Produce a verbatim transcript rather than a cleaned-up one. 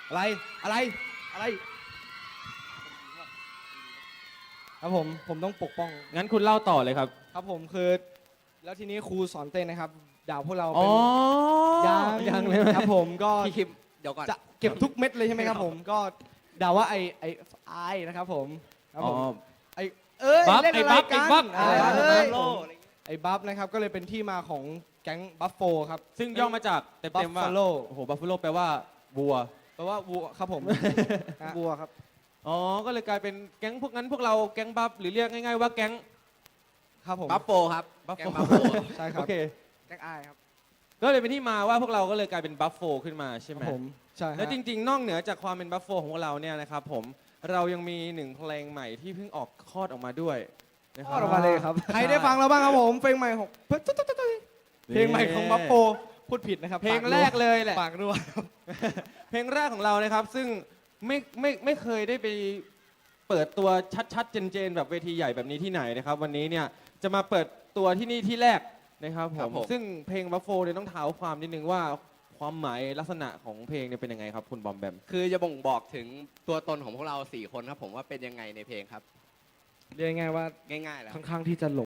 อะไรอะไรอะไรครับผมผมต้องปกป้องงั้นคุณเล่าต่อเลยครับครับผมคือแล้วทีนี้ครูสอนเต้นนะครับด่าพวกเราอ๋เป็อนยังยังเลยไหมครับผมก็พี่คิมเดี๋ยวก่อนจะเก็บทุกเม็ดเลยใช่ไหมครับผมก็ด่าว่าไอไอไอนะครับผมครับอ๋ผอมไอเอ้ยบัฟเล่นอะไรไอ้บัฟกันไอ้บัฟอ่าอะไรเอ้ยโลไอบัฟนะครับก็เลยเป็นที่มาของแก๊งบัฟโฟครับซึ่งย่อมาจากเต็มๆว่า Buffalo โอ้โหบัฟฟาโลแปลว่าวัวแปลว่าวัวครับผมฮะบัวครับอ๋อ ก็เลยกลายเป็นแก๊งพวกนั้นพวกเราแก๊งบัฟหรือเรียกง่ายๆว่าแก๊งครับผมบัฟโฟครับบัฟแกโฟงบัฟโฟใช่คโอรับเคแกงอายครับก็เลยเป็นที่มาว่าพวกเราก็เลยกลายเป็นบัฟโฟขึ้นมาใช่คไหรัมบผมใช่ฮะแล้วจริงๆ นอกเหนือจากความเป็นบัฟโฟของพวกเราเนี่ยนะครับผมเรายังมีหนึ่งเพลงใหม่ที่เพิ่งออกคลอดออกมาด้วยนะคทรัอดออกมาเลยครับใครได้ฟังแล้วบ้างครับผมเพลงใหม่ของเพลงใหม่ของบัฟโฟพูดผิดนะครับเพลงแรกเลยแหละปากรั่วเพลงแรกของเรานะครับ ซึ่งไม่ไม่ไม่เคยได้ไปเปิดตัวชัดๆ เจนๆ แบบเวทีใหญ่แบบนี้ที่ไหนนะครับ วันนี้เนี่ยจะมาเปิดตัวที่นี่ที่แรกนะครับผครับมผมซึ่งเพลงบัฟโฟเนี่ยต้องเท้าความนิดนึงว่าความหมายลักษณะของเพลงเนี่ยเป็นยังไงครับคุณบอมแบมคือจะบ่งบอกถึงตัวตนของพวกเราสี่คนครับผมว่าเป็นยังไงในเพลงครับเรียกง่ายๆว่าง่ายๆแล้วค่อนข้างที่จะหลง